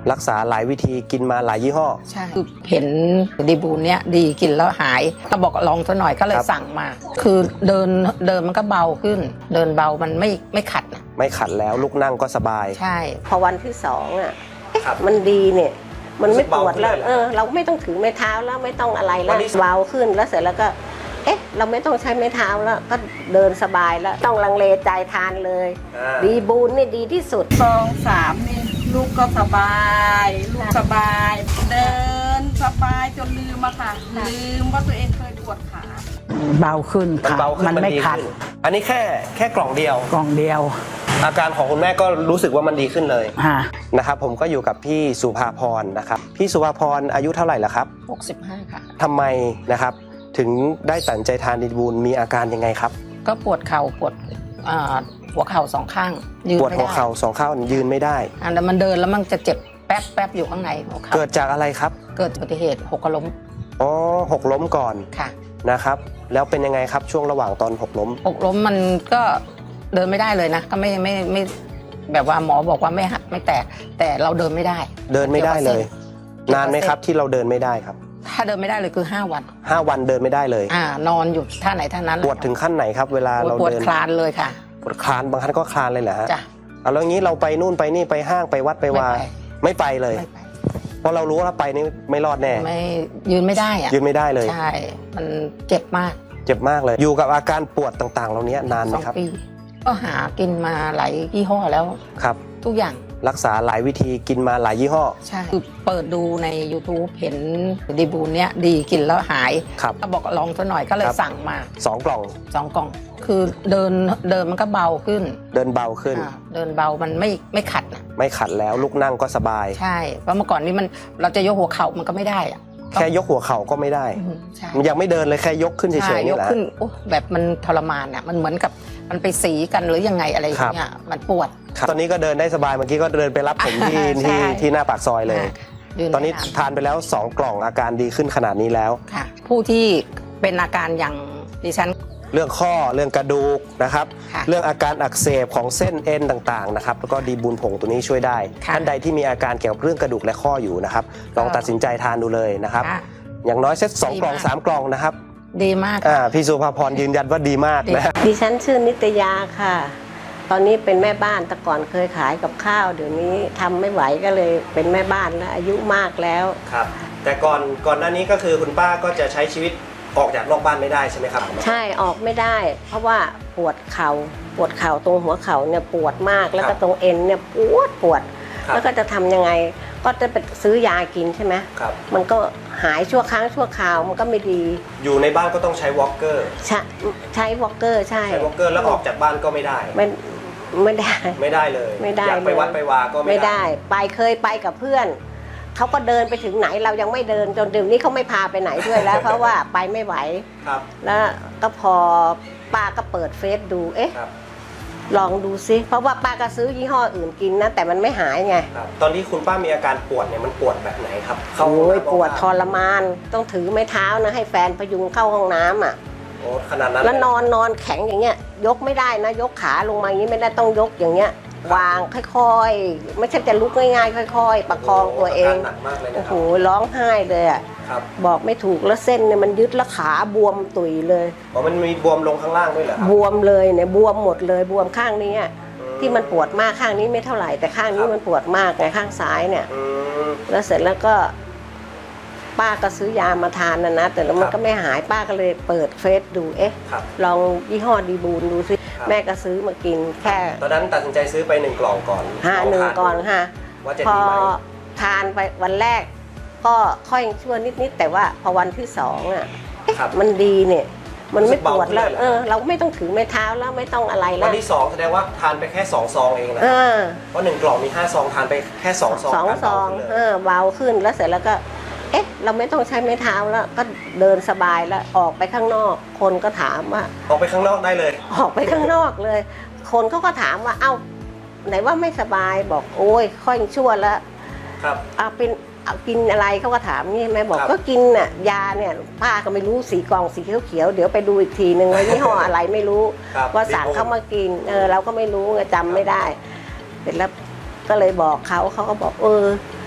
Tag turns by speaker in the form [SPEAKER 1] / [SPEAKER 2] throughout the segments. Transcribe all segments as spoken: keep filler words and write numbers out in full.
[SPEAKER 1] รักษาหลายวิธีกินมาหลายยี่ห้อ
[SPEAKER 2] ใช่คือเห็นดีบูนเนี้ยดีกินแล้วหายก็บอกลองซะหน่อยก็เลยสั่งมา คือเดินเดินมันก็เบาขึ้น เดินเบามันไม่ไม่ขัด
[SPEAKER 1] ไม่ขัดแล้วลุกนั่งก็สบาย
[SPEAKER 2] ใช่
[SPEAKER 3] พอวันที่สองอ่ะมันดีเนี่ยมันไม่ปวดแล้วเออเราไม่ต้องถือไม้เท้าแล้วไม่ต้องอะไรแล้วเบาขึ้นแล้วเสร็จแล้วก็เอ๊ะเราไม่ต้องใช้ไม้เท้าแล้วก็เดินสบายแล้วต้องลังเลใจทานเลยดีบูนนี่ดีที่สุด
[SPEAKER 4] สองสามนี่ลูกก็สบายลูกสบายเดินสบายจนลืมอะค่ะลืมว่าตัวเองเคยปวดขา
[SPEAKER 5] เบาขึ้นค่ะมันไม่ขัด
[SPEAKER 1] อันนี้แค่แค่กล่องเดียว
[SPEAKER 5] กล่องเดียว
[SPEAKER 1] อาการของคุณแม่ก็รู้สึกว่ามันดีขึ้นเลยนะครับผมก็อยู่กับพี่สุภาพรนะครับพี่สุภาพรอายุเท่าไหร่ละครับ
[SPEAKER 2] หกสิบห้าค่ะ
[SPEAKER 1] ทำไมนะครับถึงได้ตัดใจทานดีบูลมีอาการยังไงครับ
[SPEAKER 2] ก็ปวดเข่าปวดหัวเข่าสองข้าง
[SPEAKER 1] ยืนปวดหัวเข่าสองข้างยืนไม่ได้
[SPEAKER 2] อันนั้นมันเดินแล้วมันจะเจ็บแป๊บแป๊บอยู่ข้างในหัวเข่า
[SPEAKER 1] เกิดจากอะไรครับ
[SPEAKER 2] เกิดอุบัติเหตุหกล้ม
[SPEAKER 1] อ๋อหกล้มก่อน
[SPEAKER 2] ค่ะ
[SPEAKER 1] นะครับแล้วเป็นยังไงครับช่วงระหว่างตอนหกล้ม
[SPEAKER 2] หกล้มมันก็เดินไม่ได้เลยนะก็ไม่ไม่ไม่แบบว่าหมอบอกว่าไม่หักไม่แตกแต่เราเดินไม่ได้
[SPEAKER 1] เดินไม่ได้เลยนานไหมครับที่เราเดินไม่ได้ครับ
[SPEAKER 2] ถ้าเดินไม่ได้เลยคือห้าวัน
[SPEAKER 1] ห้าวันเดินไม่ได้เลย
[SPEAKER 2] อ่านอนอยู่ท่าไหนท่านั้น
[SPEAKER 1] ปวดถึงขั้นไหนครับเวลาเราเดิน
[SPEAKER 2] ปวดคลานเลยค่ะ
[SPEAKER 1] ปวดคลานบางครั้งก็คลานเลยเหรอฮะ
[SPEAKER 2] จ้ะ
[SPEAKER 1] เอาแล้วงี้เราไปนู่นไปนี่ไปห้างไปวัดไปวาไม่ไปเลยเพราะเรารู้ว่าไปนี่ไม่รอดแน่
[SPEAKER 2] ไม่ยืนไม่ได้อะ
[SPEAKER 1] ยืนไม่ได้เลย
[SPEAKER 2] ใช่มันเจ็บมาก
[SPEAKER 1] เจ็บมากเลยอยู่กับอาการปวดต่างๆเหล่านี้นานไหมครับ
[SPEAKER 2] ก็หากินมาหลายยี่ห้อแล้ว
[SPEAKER 1] ครับ
[SPEAKER 2] ทุกอย่าง
[SPEAKER 1] รักษาหลายวิธีกินมาหลายยี่ห้อ
[SPEAKER 2] ใช่คือเปิดดูใน ยูทูบ เห็นดีบูนเนี้ยดีกินแล้วหายก็บอกลองซะหน่อยก็เลยสั่งมา
[SPEAKER 1] สองกล่อง
[SPEAKER 2] สองกล่องคือเดินเดินมันก็เบาขึ้น
[SPEAKER 1] เดินเบาขึ้น
[SPEAKER 2] เดินเบามันไม่ไม่ขัด
[SPEAKER 1] ไม่ขัดแล้วลุกนั่งก็สบาย
[SPEAKER 2] ใช่เพราะเมื่อก่อนนี้มันเราจะยกหัวเข่ามันก็ไม่ได้อะ
[SPEAKER 1] แค่ยกหัวเข่าก็ไม่ได้มันยังไม่เดินเลยแค่ยกขึ้นเฉยๆนี่แหละ
[SPEAKER 2] ยกขึ้นแบบมันทรมานอ่ะมันเหมือนกับมันไปสีกันหรือยังไงอะไรอย่างเงี้ยมันปวด
[SPEAKER 1] ตอนนี้ก็เดินได้สบายเมื่อกี้ก็เดินไปรับผมที่ที่ที่หน้าปากซอยเลยตอนนี้ทานไปแล้วสองกล่องอาการดีขึ้นขนาดนี้แล้ว
[SPEAKER 2] ค่ะผู้ที่เป็นอาการอย่างดิฉัน
[SPEAKER 1] เรื่องข้อเรื่องกระดูกนะครับเรื่องอาการอักเสบของเส้นเอ็นต่างๆนะครับแล้วก็ดีบูนผงตัวนี้ช่วยได้ท่านใดที่มีอาการเกี่ยวกับเรื่องกระดูกและข้ออยู่นะครับลองตัดสินใจทานดูเลยนะครับอย่างน้อยเซตสองกล่องสามกล่องนะครับ
[SPEAKER 2] ดีมาก
[SPEAKER 1] อ่าพี่สุภาพรยืนยันว่าดีมากนะ
[SPEAKER 3] ดิฉันชื่อนิตยาค่ะตอนนี้เป็นแม่บ้านแต่ก่อนเคยขายกับข้าวเดี๋ยวนี้ทำไม่ไหวก็เลยเป็นแม่บ้านแล้วอายุมากแล้ว
[SPEAKER 1] ครับแต่ก่อนก่อนหน้านี้ก็คือคุณป้าก็จะใช้ชีวิตออกจากนอกบ้านไม่ได้ใช่ไหมครับ
[SPEAKER 3] ใช่ออกไม่ได้เพราะว่าปวดเข่าปวดเข่าตรงหัวเข่าเนี่ยปวดมากแล้วก็ตรงเอ็นเนี่ยปวดปวดแล้วก็จะทำยังไงก็จะไปซื้อยากินใช่ไหม
[SPEAKER 1] ครับ
[SPEAKER 3] มันก็หายชั่วครั้งชั่วคราวมันก็ไม่ดี
[SPEAKER 1] อยู่ในบ้านก็ต้องใช้วอล์กเกอร์
[SPEAKER 3] ใช้ใช้วอล์กเกอร์ใช่
[SPEAKER 1] ใช้วอล์กเกอร์แล้วออกจากบ้านก็ไม่ได้
[SPEAKER 3] ไม่ไม่ได้
[SPEAKER 1] ไม่ได้เลย
[SPEAKER 3] ไม่ได้
[SPEAKER 1] อยากไปวัดไปวาก็
[SPEAKER 3] ไม่ได้ไปเคยไปกับเพื่อนเขาก็เดินไปถึงไหนเรายังไม่เดินจนเดี๋ยวนี้เขาไม่พาไปไหนด้วยแล้ว เพราะว่าไปไม่ไหว
[SPEAKER 1] ครับ
[SPEAKER 3] แล้วก็พอป้าก็เปิดเฟซดูเอ๊ะลองดูซิเพราะว่าป้าก็ซื้อยี่ห้ออื่นกินนะแต่มันไม่หายไง
[SPEAKER 1] ตอนที่คุณป้ามีอาการปวดเนี่ยมันปวดแบบไหนครับ
[SPEAKER 3] โอ้ยปวดทรมานต้องถือไม้เท้านะให้แฟนพยุงเข้าห้องน้ำอ่ะ
[SPEAKER 1] โอ้ขนาดนั้น
[SPEAKER 3] แล้วนอนนอนแข็งอย่างเงี้ยยกไม่ได้นะยกขาลงมาอย่างนี้ไม่ได้ต้องยกอย่างเงี้ยวางค่อยๆไม่ใช่จะลุกง่ายๆค่อยๆประคองตัวเองโอ้โหร้องไห้เลยอ่ะบอกไม่ถูกแล้วเส้นเนี่ยมันยึดแล้วขาบวมตุยเลย
[SPEAKER 1] อ๋อมันมีบวมลงข้างล่างด้วยเหรอบ
[SPEAKER 3] วมเลยเนี่ยบวมหมดเลยบวมข้างนี้ที่มันปวดมากข้างนี้ไม่เท่าไหร่แต่ข้างนี้มันปวดมากไงข้างซ้ายเนี่ยแล้วเสร็จแล้วก็ป้าก็ซื้อยามาทานนะนะแต่แล้วมันก็ไม่หายป้าก็เลยเปิดเฟซดูเอ๊ะลองยี่ห้อดีบูนดูซิแม่ก็ซื้อมากินแค่
[SPEAKER 1] ตอนนั้นตัดสินใจซื้อไปหนึ่งกล่องก่อน
[SPEAKER 3] ห้าหนึ่งก่อนค่ะพอทานไปวันแรกก็ค่อยชั่วนิดๆแต่ว่าพอวันที่สองอ่ะมันดีเนี่ยมันไม่ปวดแล้วเออเราไม่ต้องถือไม้เท้าแล้วไม่ต้องอะไรแล้ว
[SPEAKER 1] วันที่สองแสดงว่าทานไปแค่สองซองเองนะเพราะหนึ่งกล่องมีห้าซองทานไปแค่สองซอง
[SPEAKER 3] สองซองเออเบาขึ้นแล้วเสร็จแล้วก็เอ๊ะเราไม่ต้องใช้ไม้เท้าแล้วก็เดินสบายแล้วออกไปข้างนอกคนก็ถามว่า
[SPEAKER 1] ออกไปข้างนอกได้เลย
[SPEAKER 3] ออกไปข้างนอกเลยคนเขาก็ถามว่าเอ้าไหนว่าไม่สบายบอกโอ้ยค่อยชั่วแล้ว
[SPEAKER 1] ครับ
[SPEAKER 3] เอาเป็นเอากินอะไรเขาก็ถามนี่แม่บอกก็กินน่ะยาเนี่ยป้าก็ไม่รู้สีกล่องสีเขียวๆเดี๋ยวไปดูอีกทีนึงว่ายี่ห้ออะไรไม่รู้ว่าสั่งเขามากินเออเราก็ไม่รู้ไงจำไม่ได้เสร็จแล้วก็เลยบอกเขาเขาก็บอกเออ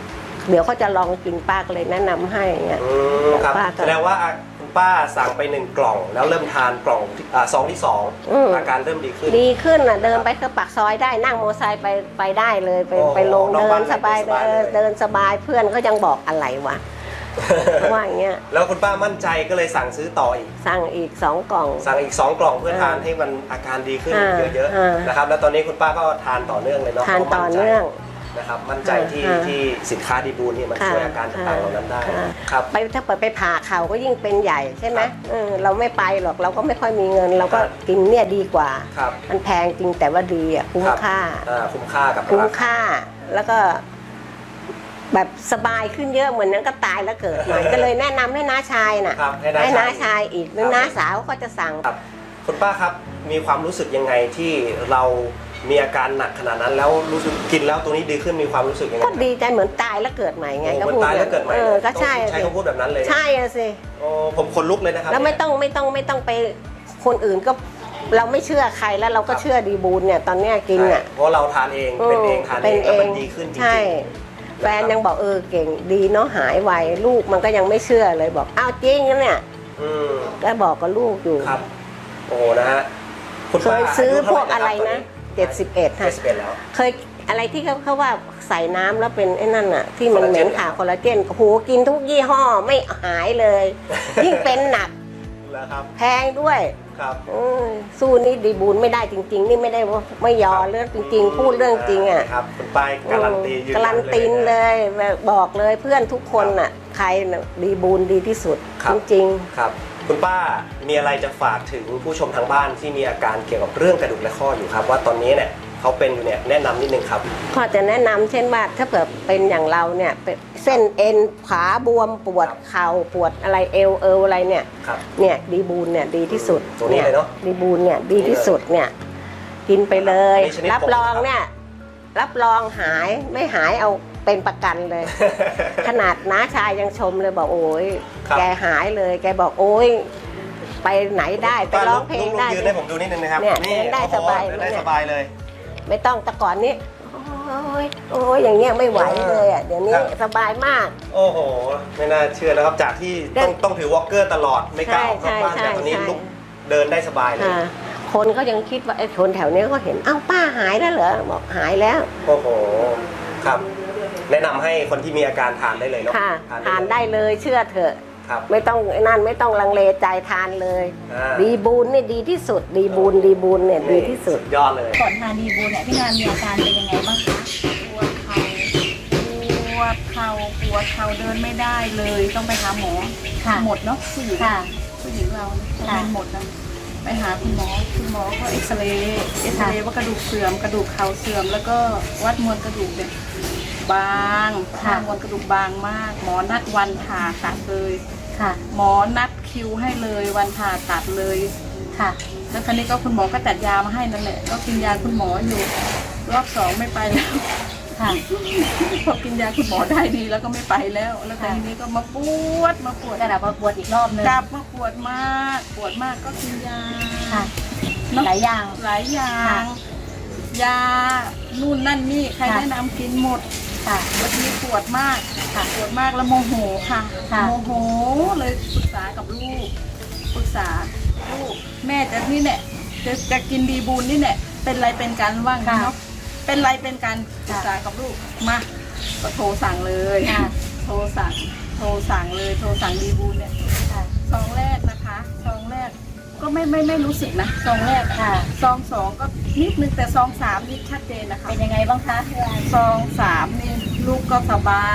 [SPEAKER 3] เดี๋ยวเขาจะลองกินป้าก็เลยแนะนำให้เงี้ย
[SPEAKER 1] อืมครับ
[SPEAKER 3] ป้าก็
[SPEAKER 1] แสดงว่าคุณป้าสั่งไปหนึ่งกล่องแล้วเริ่มทานกล่องที่อ่าซองที่สอง
[SPEAKER 3] อืม
[SPEAKER 1] อาการเริ่มดีขึ้น
[SPEAKER 3] ดีขึ้นอ่ะเดินไปคือปากซอยได้นั่งมอเตอร์ไซค์ไปไปได้เลยไป
[SPEAKER 1] โอ้โห
[SPEAKER 3] ไปลง
[SPEAKER 1] นอก
[SPEAKER 3] เดิ
[SPEAKER 1] บ้าน
[SPEAKER 3] นสบาย
[SPEAKER 1] เดินสบาย
[SPEAKER 3] เดิน
[SPEAKER 1] เลย
[SPEAKER 3] เดินสบายเพื่อนเขายังบอกอะไรวะ ว่าอย่างเงี้ย
[SPEAKER 1] แล้วคุณป้ามั่นใจก็เลยสั่งซื้อต่ออีก
[SPEAKER 3] สั่งอีกสองกล่อง
[SPEAKER 1] สั่งอีกสองกล่องเพื่อ
[SPEAKER 3] อ่า
[SPEAKER 1] ทานให้มันอาการดีขึ้น
[SPEAKER 3] อ่า
[SPEAKER 1] เยอะ
[SPEAKER 3] อ่า
[SPEAKER 1] ๆนะครับแล้วตอนนี้คุณป้าก็ทานต่อเนื่องเลยเนาะ
[SPEAKER 3] ทาน
[SPEAKER 1] พระ
[SPEAKER 3] ต่อ
[SPEAKER 1] มั่ใจ
[SPEAKER 3] เนื่อง
[SPEAKER 1] นะครับมั่นใจที่
[SPEAKER 3] อ่า
[SPEAKER 1] ที่สินค้าดีบูลนี่มัน
[SPEAKER 3] ค่ะ
[SPEAKER 1] ช่วยอาการต่างๆเหล่านั้นได้
[SPEAKER 3] ค่ะ
[SPEAKER 1] ครับ
[SPEAKER 3] ไปถ้าเปิดไปผ่าเข่าก็ยิ่งเป็นใหญ่ใช่ไหม
[SPEAKER 1] ครับ
[SPEAKER 3] เออเราไม่ไปหรอกเราก็ไม่ค่อยมีเงิน เราก็
[SPEAKER 1] ครับ
[SPEAKER 3] กินเนี่ยดีกว่า
[SPEAKER 1] ครับ
[SPEAKER 3] มันแพงจริงแต่ว่าดีอ่ะคุ้ม
[SPEAKER 1] รับ
[SPEAKER 3] ค่า
[SPEAKER 1] อ่าคุ้มค่ากับ
[SPEAKER 3] คุ้ม
[SPEAKER 1] ราา
[SPEAKER 3] ค่าแล้วก็แบบสบายขึ้นเยอะเหมือนนั้นก็ตายแล้วเกิดใหม่ ก็เลยแนะนำให้น้าชายน่ะ
[SPEAKER 1] ครับให้น้า
[SPEAKER 3] ให้น้า
[SPEAKER 1] ชา
[SPEAKER 3] ชาย ยอีกหรือ
[SPEAKER 1] ครับ
[SPEAKER 3] น้าสาวก็จะสั่ง
[SPEAKER 1] ครับคุณป้าครับมีความรู้สึกยังไงที่เรามีอาการหนักขนาดนั้น แล้วรู้สึกกินแล้วตัวนี้ดีขึ้นมีความรู้สึกยังไง
[SPEAKER 3] ก็ดีใจเหมือนตายแล้วเกิดใหม่ไง
[SPEAKER 1] โอ้
[SPEAKER 3] ก็
[SPEAKER 1] เหมือน
[SPEAKER 3] พูด
[SPEAKER 1] ตายแล้วเกิดใหม่
[SPEAKER 3] เออก็ใช่
[SPEAKER 1] ต้องใช้
[SPEAKER 3] สิ
[SPEAKER 1] คำพูดแบบนั้นเลย
[SPEAKER 3] ใช่อะสิ
[SPEAKER 1] โอ้ผมขนลุกเลยนะครับ
[SPEAKER 3] แล้วไม่ต้องไม่ต้องไม่ต้องไปคนอื่นก็เราไม่เชื่อใครแล้วเราก็เชื่อดีบูลเนี่ยตอนเนี้ยกิน
[SPEAKER 1] ใช่
[SPEAKER 3] อ่ะ
[SPEAKER 1] เพราะเราทานเองเป็นเองทานเองแล้วมันดีขึ้นจริงๆ
[SPEAKER 3] ใช่แฟนยังบอกเออเก่งดีเนาะหายไวลูกมันก็ยังไม่เชื่อเลยบอกอ้าวจริงนะเนี่ย
[SPEAKER 1] อืม
[SPEAKER 3] ก็บอกกับลูกอยู่
[SPEAKER 1] ครับโอ้นะฮะคุณ
[SPEAKER 3] เค
[SPEAKER 1] ป้าย
[SPEAKER 3] ซื้อ
[SPEAKER 1] ยุ
[SPEAKER 3] พ
[SPEAKER 1] เท่าว
[SPEAKER 3] กอะไร
[SPEAKER 1] คบ
[SPEAKER 3] นะเจ็ดสิบเอ็ด
[SPEAKER 1] เจ็
[SPEAKER 3] ค่ะ
[SPEAKER 1] ดสิบเอ็ดแล้ว
[SPEAKER 3] เคยอะไรที่เขาเขาว่าใส่น้ำแล้วเป็นไอ้นั่นอะที่มัน
[SPEAKER 1] คอลลา
[SPEAKER 3] เห
[SPEAKER 1] เจ
[SPEAKER 3] ม็
[SPEAKER 1] น
[SPEAKER 3] นขาคอลลาเจนโอ้โหกินทุกยี่ห้อไม่หายเลย ยิ่งเป็นหนัก
[SPEAKER 1] แล้วครับ
[SPEAKER 3] แพงด้วย
[SPEAKER 1] ครับ
[SPEAKER 3] อืมสู้นี่ดีบูลไม่ได้จริง ๆ นี่ไม่ได้ว่าไม่ยอเรื่องจริง ๆ พูดเรื่องจริงอ่ะ
[SPEAKER 1] ครับคุณป้ายการันตียืนยั
[SPEAKER 3] การันตีน
[SPEAKER 1] นะ
[SPEAKER 3] เลยบอกเลยเพื่อนทุกคนน่ะใครน่ะดีบูลดีที่สุด
[SPEAKER 1] ครับ
[SPEAKER 3] จริง
[SPEAKER 1] ครับคุณป้ามีอะไรจะฝากถึงผู้ชมทางบ้านที่มีอาการเกี่ยวกับเรื่องกระดูกและข้ออยู่ครับ ว่าตอนนี้เนี่ยเขาเป็นอยู่เนี่ยแนะนำนิดนึงครับ
[SPEAKER 3] ๆก็จะแนะนำเช่นว่าถ้าเผื่อเป็นอย่างเราเนี่ยเป็นเส้นเอ็นขาบวมปวดเข่าปวดอะไรเอวเอวอะไรเนี่ย
[SPEAKER 1] ครับ
[SPEAKER 3] เนี่ยดีบูลเนี่ยดีที่สุด
[SPEAKER 1] ตัวนี้เลยเนอะ
[SPEAKER 3] ดีบูลเนี่ยดีที่สุดเนี่ยกินไปเลย
[SPEAKER 1] มีชนิด
[SPEAKER 3] รับรองเนี่ยรับรองหายไม่หายเอาเป็นประกันเลย ขนาดน้าชายยังชมเลยบอกโอ้ย
[SPEAKER 1] ครับ
[SPEAKER 3] แกหายเลย แกบอกโอ้ยไปไหนได้ไปร้องเพลงได้
[SPEAKER 1] ยืนให้ผมดูนิดนึงนะครับ
[SPEAKER 3] เนี่ยเดินได้
[SPEAKER 1] โอ้โห
[SPEAKER 3] สบาย
[SPEAKER 1] เดินได้
[SPEAKER 3] เนี่ย
[SPEAKER 1] สบายเลย
[SPEAKER 3] ไม่ต้องแต่ก่อนนี้โอ้ยโอ้ยอย่างเงี้ยไม่ไหวเลยอ่ะเดี๋ยวนี้
[SPEAKER 1] ครับ
[SPEAKER 3] สบายมาก
[SPEAKER 1] โอ้โห ไม่น่าเชื่อนะครับ จากที่
[SPEAKER 3] เดิน
[SPEAKER 1] ต้องต้องถือวอล์กเกอร์ตลอดไม่กล้าออกนอกบ้าน
[SPEAKER 3] ใช่
[SPEAKER 1] แต่ตอนนี้
[SPEAKER 3] ใช่
[SPEAKER 1] ลุกเดินได้สบายเลย
[SPEAKER 3] อ่าคนก็ยังคิดว่าไอ้คนแถวเนี้ยก็เห็นอ้าวป้าหายแล้วเหรอบอกหายแล้ว
[SPEAKER 1] โอ้โหครับ แนะนำให้คนที่มีอาการทานได้เลยเนาะ
[SPEAKER 3] ค่ะ
[SPEAKER 1] เลย
[SPEAKER 3] ทานได้เลยเชื่อเถอะ
[SPEAKER 1] ครับ
[SPEAKER 3] ไม่ต้องไอ้นั่นไม่ต้องลังเลใจทานเลย
[SPEAKER 1] อ่า
[SPEAKER 3] ดีบูนนี่ดีที่สุด ดีบูนดีบูนเนี่ยดีที่สุด
[SPEAKER 1] ยอดเลย
[SPEAKER 6] ก่อนทานดีบูเนี่ยพี่นานมีอาการเป็นยังไงบ้างคะ
[SPEAKER 4] ปวดเข่าปวดเข่าปวดเข่าเดินไม่ได้เลยต้องไปหาหมอ
[SPEAKER 6] ค่ะ
[SPEAKER 4] หมดเนาะผู้หญิง
[SPEAKER 6] ค่ะ
[SPEAKER 4] ผู้หญิงเราเนี่ย
[SPEAKER 6] ค่ะ
[SPEAKER 4] เป็นหมดนะไปหาคุณหมอคุณหมอก็เอ็กซเรย์เอ็กซเรย์ว่ากระดูกเสื่อมกระดูกเข่าเสื่อม แล้วก็วัดมวลกระดูกเนี่ยบางค่ามวลกระดูกบางมาก หมอนัดวันผ่าตัดเลย
[SPEAKER 6] ค่ะ
[SPEAKER 4] หมอนัดคิวให้เลยวันผ่าตัดเลย
[SPEAKER 6] ค่ะ
[SPEAKER 4] แล้วคราวนี้ก็คุณหมอก็จัดยามาให้นั่นแหละก็กินยาคุณหมออยู่รอบสองไม่ไปแล้ว
[SPEAKER 6] ค่ะ
[SPEAKER 4] พอกินยาคุณหมอได้ดีแล้วก็ไม่ไปแล้ว แล้วทีนี้ก็มาปวดมาปวด
[SPEAKER 6] กระดับมาปวดอีกรอบนึง
[SPEAKER 4] กลับมาปวดมากปวดมากก็กินยา
[SPEAKER 6] ค่ะ
[SPEAKER 4] เนอะ
[SPEAKER 6] หลายอย่าง
[SPEAKER 4] หลายอย่า
[SPEAKER 6] ค่ะ
[SPEAKER 4] ง ยานู่นนั่นนี่ใคร
[SPEAKER 6] ค่ะ
[SPEAKER 4] แนะนำกินหมด
[SPEAKER 6] ค่ะ
[SPEAKER 4] วันนี้ปวดมาก
[SPEAKER 6] ค่ะ
[SPEAKER 4] ปวดมากแล้วโมโหค่ะ
[SPEAKER 6] ค่ะ
[SPEAKER 4] โมโหเลยปรึกษากับลูกปรึกษาลูกแม่จะนี่เนี่ยจะจะกินดีบูนนี่เนี่ยเป็นไรเป็นกันว่าง
[SPEAKER 6] ค่ะ
[SPEAKER 4] เนาะเป็นไรเป็นกันปรึกษากับลูกมาก็โทรสั่งเลย
[SPEAKER 6] ค่ะ
[SPEAKER 4] โทรสั่งโทรสั่งเลยโทรสั่งดีบูนเนี่ย
[SPEAKER 6] ค่ะ
[SPEAKER 4] ซองแรกนะคะซองแรกก็ไม่ไม่ไม่รู้สึกนะซองแรกอะ
[SPEAKER 6] ค่ะ
[SPEAKER 4] ซองสองก็นิดนึงแต่ซองสามนี่ชัดเจนนะคะ
[SPEAKER 6] เป็นยังไงบ้างคะพี่นาน
[SPEAKER 4] ซองสามนี่ลูกก็สบาย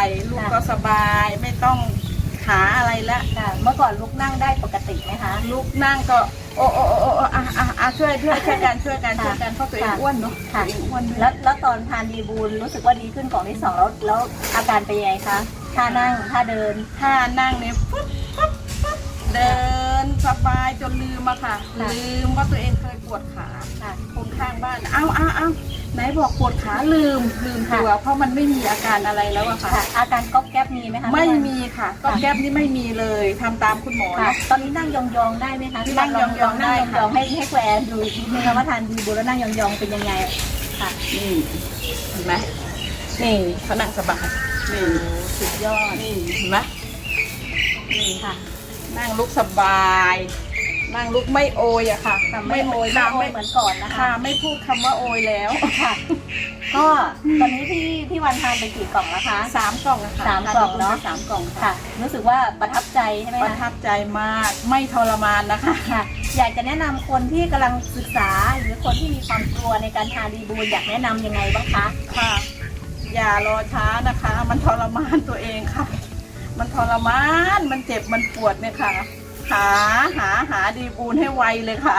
[SPEAKER 4] ลูกก็สบายไม่ต้องหาอะไรละ
[SPEAKER 6] ค่ะ เมื่อก่อนลุกนั่งได้ปกติไหมคะ
[SPEAKER 4] ลูกนั่งก็โอ้โอ้โอ้โอ้อ่ะอ่ะอ่ะช่วยช่วยช่วยกันช่วยกัน
[SPEAKER 6] ค่ะ
[SPEAKER 4] ช่วยกันเพราะตัวเอง
[SPEAKER 6] ค่ะ
[SPEAKER 4] อ้วนเนาะ
[SPEAKER 6] ค่ะ
[SPEAKER 4] ตัวเองอ้วนด้วย
[SPEAKER 6] แล้วแล้วตอนทานดีบูลรู้สึกว่าดีขึ้นกล่องที่สองแล้วแล้วอาการเป็นยังไงคะท่านั่งท่าเดิน
[SPEAKER 4] ถ้านั่งเนี่ยปุ๊บปุ๊บปุ๊บเดินสบายจนลืมอะค่ะ
[SPEAKER 6] ค่ะ
[SPEAKER 4] ลืมว่าตัวเองเคยปวดขา
[SPEAKER 6] ค่ะ
[SPEAKER 4] คนข้างบ้านเอ้าเอ้าเอ้าไหนบอกปวดขาลืมลืมตัวเพราะมันไม่มีอาการอะไรแล้วอะค่ะ
[SPEAKER 6] ค่ะ อาการก๊อบแก๊บมีไหมคะ
[SPEAKER 4] ไม่
[SPEAKER 6] พี่นาน
[SPEAKER 4] มีค่ะก็แก๊บนี่ไม่มีเลยทำตามคุณหมอ
[SPEAKER 6] ค่ะ
[SPEAKER 4] นะ
[SPEAKER 6] ตอนนี้นั่งยองๆได้ไหมคะพี่
[SPEAKER 4] นั่งยองๆได้
[SPEAKER 6] นั่ง
[SPEAKER 4] ค่ะ
[SPEAKER 6] ยองๆให้ให้แควร์ดูอีกทีนึงคะว่าทานดีบูลแล้วนั่งยองๆเป็นยังไงค่ะ
[SPEAKER 4] นี่เห็นไหม
[SPEAKER 6] นี่
[SPEAKER 4] เขานั่งสบายนี่สุดยอดนี่เห็นไหมนี่
[SPEAKER 6] ค่ะ
[SPEAKER 4] นั่งลุกสบาย นั่งลุกไม่โอยอะค่ะ
[SPEAKER 6] ไม่โอยไม่
[SPEAKER 4] ค่ะ
[SPEAKER 6] โอยเหมือนก่อนนะคะ
[SPEAKER 4] ค่ะไม่พูดคำว่าโอยแล้ว
[SPEAKER 6] ค่ะ ก็ตอนนี้พี่พี่วันทานไปกี่กล่องแล้วคะ
[SPEAKER 4] สามกล่องอะค่ะ
[SPEAKER 6] สามกล่องเนอะ
[SPEAKER 4] สามกล่อง
[SPEAKER 6] ค่ะ
[SPEAKER 4] ค่ะ
[SPEAKER 6] รู้สึกว่าประทับใจใช่ไหม
[SPEAKER 4] ประ
[SPEAKER 6] คะ
[SPEAKER 4] ทับใจมากไม่ทรมานนะคะ
[SPEAKER 6] ค่ะ อยากจะแนะนำคนที่กำลังศึกษาหรือคนที่มีความกลัวในการทานดีบูลอยากแนะนำยังไงบ้างคะ
[SPEAKER 4] ค่ะ อย่ารอช้านะคะ มันทรมานตัวเองค่ะ มันทรมานมันเจ็บมันปวดเนี่ยค่ะ หาหาหาดีบูลให้ไวเลยค่ะ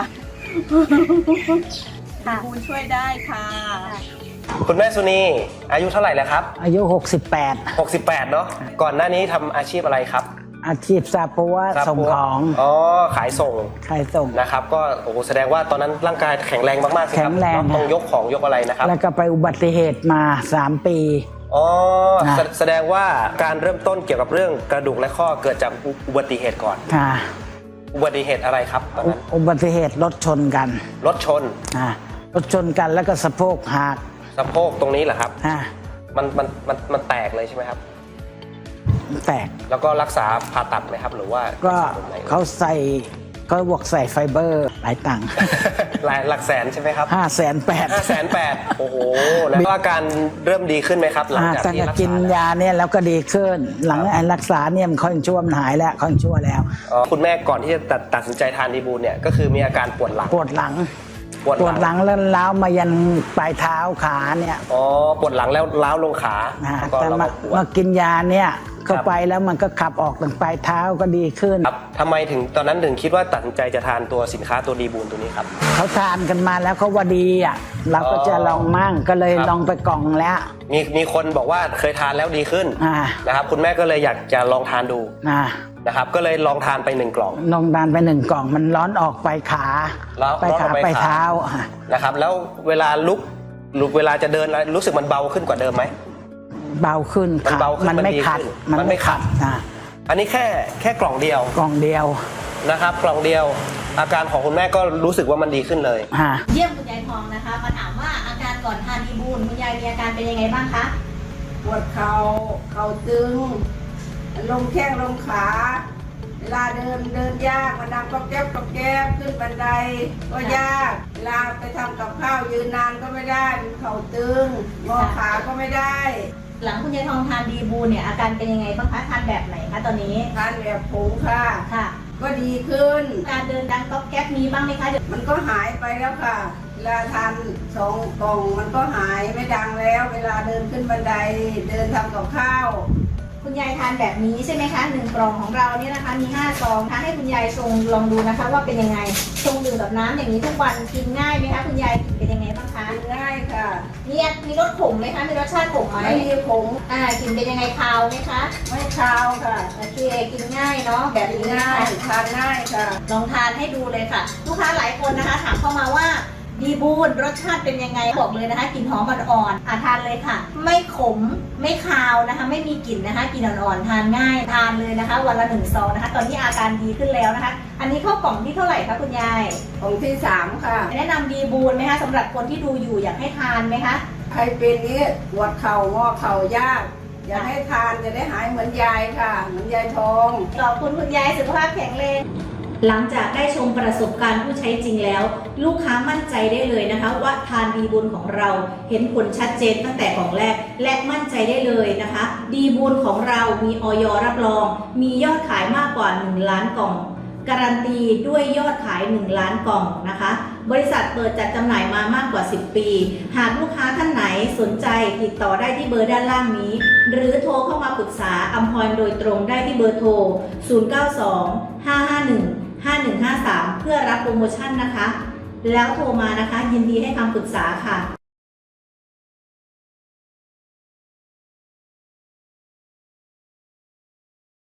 [SPEAKER 6] ค่ะ
[SPEAKER 4] ดีบูลช่วยได้ค่ะ
[SPEAKER 1] คุณแม่สุนีอายุเท่าไหร่แล้วครับ
[SPEAKER 5] อายุ หกสิบแปด
[SPEAKER 1] หกสิบแปดเนาะก่อนหน้านี้ทำอาชีพอะไรครับ
[SPEAKER 5] อาชีพซาปัวส่งของ
[SPEAKER 1] อ๋อขายส่ง
[SPEAKER 5] ขายส่ง
[SPEAKER 1] นะครับก็โอ้โหแสดงว่าตอนนั้นร่างกายแข็งแรงมากๆสิครับ
[SPEAKER 5] แข็งแรง
[SPEAKER 1] เนอะต้องยกของยกอะไรนะครับ
[SPEAKER 5] แล้วก็ไปอุบัติเหตุมาสามปี
[SPEAKER 1] อ๋อ
[SPEAKER 5] นะ
[SPEAKER 1] แสแสดงว่าการเริ่มต้นเกี่ยวกับเรื่องกระดูกและข้อเกิดจากอุอุบัติเหตุก่อน
[SPEAKER 5] ค่ะ
[SPEAKER 1] อุบัติเหตุอะไรครับตอน
[SPEAKER 5] อุ
[SPEAKER 1] นั้น
[SPEAKER 5] อุบัติเหตุรถชนกัน
[SPEAKER 1] รถชน
[SPEAKER 5] อ่ารถชนกันแล้วก็สะโพกหัก
[SPEAKER 1] สะโพกตรงนี้เหรอครับ
[SPEAKER 5] อ่า
[SPEAKER 1] มันมันมันมันแตกเลยใช่ไหมครับ
[SPEAKER 5] แตก
[SPEAKER 1] แล้วก็รักษาผ่าตัดไหมครับ หรือว่า
[SPEAKER 5] ก็
[SPEAKER 1] รัษแบบไหน
[SPEAKER 5] เขาใส่เขาบวกใส่ไฟเบอร์หลายตังค์
[SPEAKER 1] หลายหลักแสนใช่ไหมครับ
[SPEAKER 5] ห้าแสนแปด
[SPEAKER 1] ห้าแสนแปดโอ้โหแล้วอาการเริ่มดีขึ้นไหมครับ หลังจาก
[SPEAKER 5] ตั้ง
[SPEAKER 1] ที่
[SPEAKER 5] แต่
[SPEAKER 1] รัก
[SPEAKER 5] กิน
[SPEAKER 1] ษาแล้ว
[SPEAKER 5] ยาเนี่ยแล้วก็ดีขึ้น หลังไอ้รักษาเนี่ยมันค่อยชั่วมันหายแล้วค่อยชั่วแล้ว
[SPEAKER 1] อ๋อคุณแม่ก่อนที่จะตัดตัดสินใจทานดีบูลเนี่ยก็คือมีอาการปวดหลัง
[SPEAKER 5] ปวดหลัง
[SPEAKER 1] ปวด
[SPEAKER 5] ปวดหลังแล้วล้าวมายันปลายเท้าขาเนี่ย
[SPEAKER 1] อ๋อปวดหลังแล้วล้าวลงขา
[SPEAKER 5] นะ
[SPEAKER 1] แล้วก็
[SPEAKER 5] แต่
[SPEAKER 1] เรา
[SPEAKER 5] มา
[SPEAKER 1] ก็ปวด
[SPEAKER 5] มากินยาเนี่ยเข้าไปแล้วมันก็ขับออกทางปลายเท้าก็ดีขึ้น
[SPEAKER 1] ครับทำไมถึงตอนนั้นถึงคิดว่าตัดสินใจจะทานตัวสินค้าตัวดีบูลตัวนี้ครับ
[SPEAKER 5] เขาทานกันมาแล้วเขาว่าดีอ่ะเราก็จะลองมั่งก็เลย
[SPEAKER 1] ครับ
[SPEAKER 5] ลองไปกล่องแล้ว
[SPEAKER 1] มีมีคนบอกว่าเคยทานแล้วดีขึ้น
[SPEAKER 5] อ่า
[SPEAKER 1] นะครับคุณแม่ก็เลยอยากจะลองทานดู
[SPEAKER 5] นะ
[SPEAKER 1] นะครับก็เลยลองทานไปหนึ่งกล่อง
[SPEAKER 5] ลองทานไปหนึ่งกล่องมันร้อนออกไปขา
[SPEAKER 1] ร้อน
[SPEAKER 5] ไป
[SPEAKER 1] ร้อนอ
[SPEAKER 5] ขา
[SPEAKER 1] อกไป
[SPEAKER 5] ไป
[SPEAKER 1] ขา
[SPEAKER 5] เท้าอ่ะ
[SPEAKER 1] นะครับแล้วเวลาลุกลุกเวลาจะเดินแล้วรู้สึกมันเบาขึ้นกว่าเดิมไหม
[SPEAKER 5] เบาขึ้น
[SPEAKER 1] มันเบาขึ้น
[SPEAKER 5] มันไม่
[SPEAKER 1] มันดี
[SPEAKER 5] ขัด
[SPEAKER 1] ขึ้น
[SPEAKER 5] มัน
[SPEAKER 1] มันไม่
[SPEAKER 5] ไม่
[SPEAKER 1] ขั
[SPEAKER 5] ขั
[SPEAKER 1] ด
[SPEAKER 5] ดนะ
[SPEAKER 1] อันนี้แค่แค่กล่องเดียว
[SPEAKER 5] กล่องเดียว
[SPEAKER 1] นะครับกล่องเดียว อาการของคุณแม่ก็รู้สึกว่ามันดีขึ้นเลย
[SPEAKER 5] ฮะ
[SPEAKER 6] เยี่ยมคุณยายทองนะคะ มาถามว่าอาการก่อนทานดีบูลคุณยายมีอาการเป็นยังไงบ้างคะ
[SPEAKER 7] ปวดเขา่าเข่าตึง ลงแข้งลงขา เวลาเดินเดินยากมันดังก็แก๊บก็แก๊บขึ้นบันไดก็ยาก เวลาไปทำกับข้าวยืนนานก็ไม่ได้เข่าตึงงอขาก็ไม่ได้
[SPEAKER 6] หลังคุณยายทองทานดีบูลเนี่ยอาการเป็นยังไงบ้างคะทานแบบไหนคะตอนนี้
[SPEAKER 7] ทานแบบผงค่ะ
[SPEAKER 6] ค่ะ
[SPEAKER 7] ก็ดีขึ้น
[SPEAKER 6] การเดินดังก๊อบแก๊บมีบ้างไหมคะ
[SPEAKER 7] มันก็หายไปแล้วค่ะ เวลาทานสองกล่องมันก็หายไม่ดังแล้ว เวลาเดินขึ้นบันไดเดินทำกับข้าว
[SPEAKER 6] คุณยายทานแบบนี้ใช่ไหมคะหนึ่งกล่องของเราเนี่ยนะคะมีห้าซองทานให้คุณยายชงลองดูนะคะว่าเป็นยังไงชงดื่มกับน้ำอย่างนี้ทุกวันกินง่ายไหมคะคุณยายกินเป็นยังไงบ้างคะ
[SPEAKER 7] ง่ายค่ะ
[SPEAKER 6] มีมีรสขมไหมคะมีรสชาติขมไหม
[SPEAKER 7] ไม่มีผง
[SPEAKER 6] อ่ากินเป็นยังไงคาวไหมคะ
[SPEAKER 7] ไม่คาวค่ะ
[SPEAKER 6] โอเคกินง่ายเนาะแบบนี้
[SPEAKER 7] ง่า
[SPEAKER 6] ง่าย ย
[SPEAKER 7] ทานง่ายค่ะ
[SPEAKER 6] ลองทานให้ดูเลยค่ะ ลูกค้าหลายคนนะคะ ถามเข้ามาว่าดีบูลรสชาติเป็นยังไงบอกเลยนะคะกลิ่นหอมอ่อนๆอ่ะทานเลยค่ะ ไม่ขมไม่คาวนะคะ ไม่มีกลิ่นนะคะกลิ่นอ่อนๆทานง่ายทานเลยนะคะ วันละหนึ่งซองนะคะ ตอนนี้อาการดีขึ้นแล้วนะคะ อันนี้เข้ากล่องที่เท่าไหร่คะคุณยาย
[SPEAKER 7] ของที่สามค่ะ
[SPEAKER 6] แนะนำดีบูลไหมคะสำหรับคนที่ดูอยู่อยากให้ทานไหมคะ
[SPEAKER 7] ใครเป็นนี้ปวดเข่างอเข่ายาก อยากให้ทานจะได้หายเหมือนยายค่ะ เหมือนยายทอง
[SPEAKER 6] ขอบคุณคุณยายสุขภาพแข็งแรงหลังจากได้ชมประสบการณ์ผู้ใช้จริงแล้ว ลูกค้ามั่นใจได้เลยนะคะ ว่าทานดีบูลของเราเห็นผลชัดเจนตั้งแต่ของแรกและมั่นใจได้เลยนะคะ ดีบูลของเรามีอย.รับรอง มียอดขายมากกว่าหนึ่งล้านกล่อง การันตีด้วยยอดขายหนึ่งล้านกล่องนะคะ บริษัทเปิดจัดจำหน่ายมามากกว่าสิบปี หากลูกค้าท่านไหนสนใจติดต่อได้ที่เบอร์ด้านล่างนี้ หรือโทรเข้ามาปรึกษาอัมพรโดยตรงได้ที่เบอร์โทร ศูนย์ เก้า สอง ห้า ห้า หนึ่ง ห้า หนึ่ง ห้า สาม เพื่อรับโปรโมชั่นนะคะ แล้วโทรมานะคะยินดีให้คำปรึกษาค่ะ